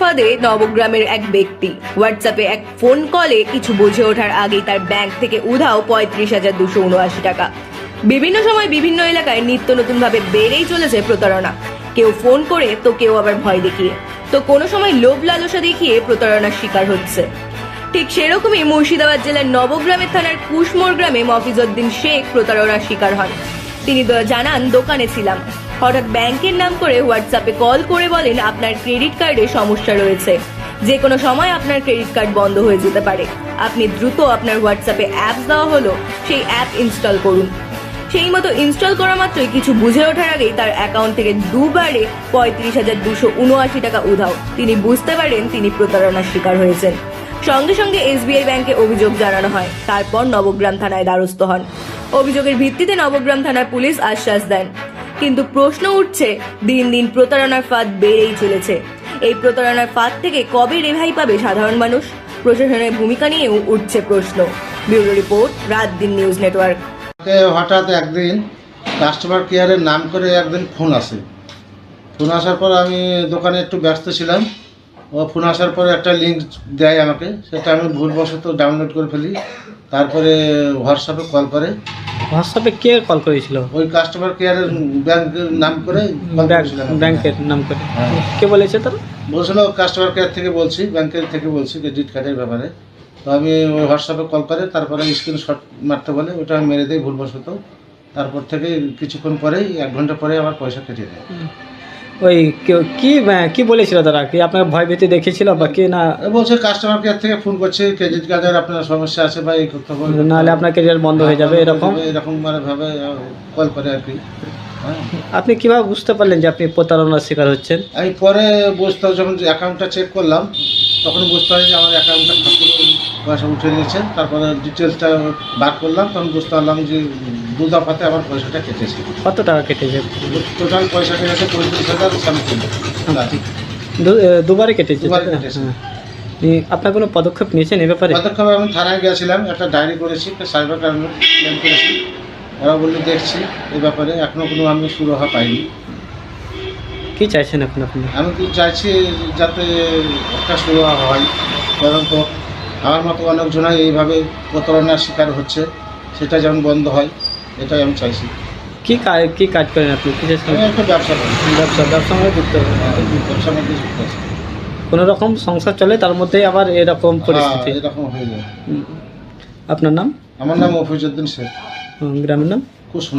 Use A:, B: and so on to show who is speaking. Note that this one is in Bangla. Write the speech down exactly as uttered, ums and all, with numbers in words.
A: ফাঁদে নবগ্রামের এক ব্যক্তি। হোয়াটসঅ্যাপে এক ফোন কলে কিছু বুঝে ওঠার আগেই তার ব্যাংক থেকে উধাও পঁয়ত্রিশ হাজার দুশো উনআশি টাকা। বিভিন্ন সময় বিভিন্ন এলাকায় নিত্য নতুন ভাবে বেড়েই চলেছে প্রতারণা। কেউ ফোন করে তো কেউ আবার ভয় দেখিয়ে, তো কোনো সময় লোভ লালসা দেখিয়ে প্রতারণার শিকার হচ্ছে। ঠিক সেরকমই মুর্শিদাবাদ জেলার নবগ্রামের থানার কুশমোড় গ্রামে মফিজউদ্দিন শেখ প্রতারণার শিকার হন। তিনি জানান, দোকানে ছিলাম, হঠাৎ ব্যাংকের নাম করে হোয়াটসঅ্যাপে কল করে বলেন আপনার ক্রেডিট কার্ডে সমস্যা রয়েছে, যে কোনো সময় আপনার ক্রেডিট কার্ড বন্ধ হয়ে যেতে পারে, আপনি দ্রুত আপনার হোয়াটসঅ্যাপে অ্যাপস দেওয়া হলো সেই অ্যাপ ইনস্টল করুন। সেই মতো ইনস্টল করা মাত্রই কিছু বুঝে ওঠার আগেই তার অ্যাকাউন্ট থেকে দুবারে পঁয়ত্রিশ হাজার দুশো উনআশি টাকা উধাও। তিনি বুঝতে পারেন তিনি প্রতারণার শিকার হয়েছেন। সঙ্গে সঙ্গে এসবিআই ব্যাংকে অভিযোগ জানানো হয়। তারপর নবগ্রাম থানায় দ্বারস্থ হন। অভিযোগের ভিত্তিতে নবগ্রাম থানার পুলিশ আশ্বাস দেন, কিন্তু প্রশ্ন উঠছে, দিন দিন প্রতারণার ফাঁদ বেড়েই চলেছে। এই প্রতারণার ফাঁদ থেকে কবে রেহাই পাবে সাধারণ মানুষ? প্রশাসনের ভূমিকা নিয়েও উঠছে প্রশ্ন। ব্যুরো রিপোর্ট, রাত দিন নিউজ নেটওয়ার্ক।
B: হঠাৎ একদিন কাস্টমার কেয়ারের নাম করে একদিন ফোন আসে। ফোন আসার পর আমি দোকানে একটু ব্যস্ত ছিলাম। ও ফোন আসার পরে একটা লিঙ্ক দেয় আমাকে, সেটা আমি ভুলবশত ডাউনলোড করে ফেলি। তারপরে হোয়াটসঅ্যাপে কল করে।
C: হোয়াটসঅ্যাপে কে কল করেছিল?
B: ওই কাস্টমার কেয়ারের ব্যাংকের নাম করে
C: ব্যাংকের নাম করে
B: হ্যাঁ।
C: কে বলেছে তারা?
B: বলছিল কাস্টমার কেয়ার থেকে বলছি, ব্যাংকের থেকে বলছি ক্রেডিট কার্ডের ব্যাপারে। তো আমি ওই হোয়াটসঅ্যাপে কল করে, তারপরে স্ক্রিনশট মারতে বলে, ওটা আমি মেরে দিই ভুলবশত। তারপর থেকে কিছুক্ষণ পরেই, এক ঘন্টা পরে আমার পয়সা কেটে দেয়।
C: ওই কেউ- কি কি বলেছিল তারা? কি আপনার ভয় ভীতি দেখেছিল বা কি না?
B: বলছে কাস্টমার কেয়ার থেকে ফোন করছে, ক্রেডিট কার্ডের আপনার সমস্যা আছে বা এই করতে হবে,
C: নাহলে আপনার ক্যারিয়ার বন্ধ হয়ে যাবে, এরকম
B: এরকম মানে ভাবে কল করে আর কি। হ্যাঁ,
C: আপনি কিভাবে বুঝতে পারলেন যে আপনি প্রতারণার শিকার হচ্ছেন?
B: আমি পরে বুঝতে যখন অ্যাকাউন্টটা চেক করলাম, তখন বুঝতে পারি যে আমার অ্যাকাউন্টটা ঠাকুর পয়সা উঠে নিয়েছে। তারপরে ডিটেলসটা বার করলাম, তখন বুঝতে পারলাম যে দু দফাতে আমার পয়সাটা কেটেছে।
C: কত টাকা কেটেছে?
B: টোটাল পয়সা কেটেছে পঁয়ত্রিশ হাজার সামথিং।
C: দু- এ, দুবারে কেটেছে?
B: দুবারে কেটেছে।
C: হ্যাঁ। এই আপনার কোনো পদক্ষেপ নিয়েছেন এ ব্যাপারে?
B: পদক্ষেপে আমি থানায় গিয়েছিলাম, একটা ডায়েরি করেছি, একটা সাইবার ক্রাইম ক্লেম করেছি। ওরা বললে দেখছি এই ব্যাপারে, এখনও কোনো আমি সুরাহা পাইনি।
C: কি চাইছেন এখন আপনি?
B: আমি তো চাইছি যাতে একটা সুরাহা হয়, কারণ তো আমার মতো অনেকজনাই এইভাবে প্রতারণার শিকার হচ্ছে, সেটা যেমন বন্ধ হয়, এটাই আমি চাইছি।
C: কি কাজ কি কাজ করেন আপনি? কিসের
B: আমি
C: সঙ্গে?
B: একটা ব্যবসা করি,
C: ব্যবসা ব্যবসার সঙ্গে যুক্ত হবেন?
B: ব্যবসার মধ্যে যুক্ত আছি।
C: কোনো রকম সংসার চলে, তার মধ্যেই আবার এরকম পরিস্থিতি।
B: হ্যাঁ, এরকম হয়ে যায়।
C: হুম। আপনার নাম?
B: আমার নাম মফিজউদ্দিন শেখ।
C: হুম, গ্রামের নাম?
B: কুশমোড়।